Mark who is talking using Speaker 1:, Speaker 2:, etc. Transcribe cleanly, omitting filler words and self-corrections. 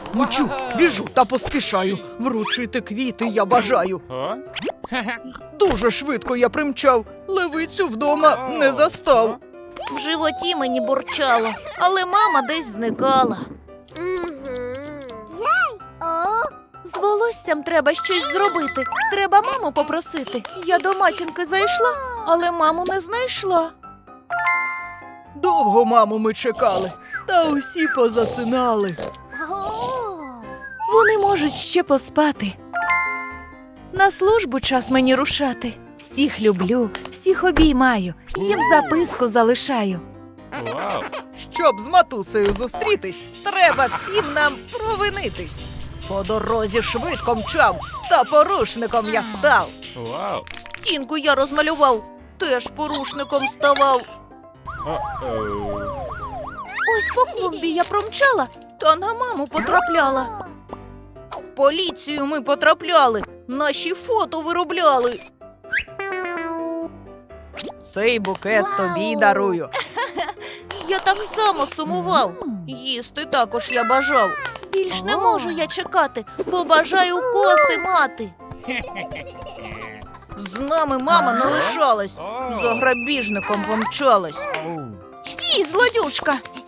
Speaker 1: Мчу, біжу та поспішаю. Вручити квіти я бажаю. Дуже швидко я примчав, левицю вдома не застав.
Speaker 2: В животі мені бурчало, але мама десь зникала. З волоссям треба щось зробити. Треба маму попросити. Я до матінки зайшла, але маму не знайшла.
Speaker 1: Довго маму ми чекали, та усі позасинали.
Speaker 2: Вони можуть ще поспати. На службу час мені рушати. Всіх люблю, всіх обіймаю, їм записку залишаю.
Speaker 1: Щоб з матусею зустрітись, треба всім нам провинитись. По дорозі швидко мчав, та порушником я став.
Speaker 2: Стінку я розмалював, теж порушником ставав. Ось по клумбі я промчала, та на маму потрапляла. В поліцію ми потрапляли, наші фото виробляли.
Speaker 1: Цей букет тобі дарую.
Speaker 2: Я так само сумував, їсти також я бажав. Більш не можу я чекати, бо бажаю коси мати. З нами мама не лишалась, за грабіжником помчалась. Стій, злодюшка,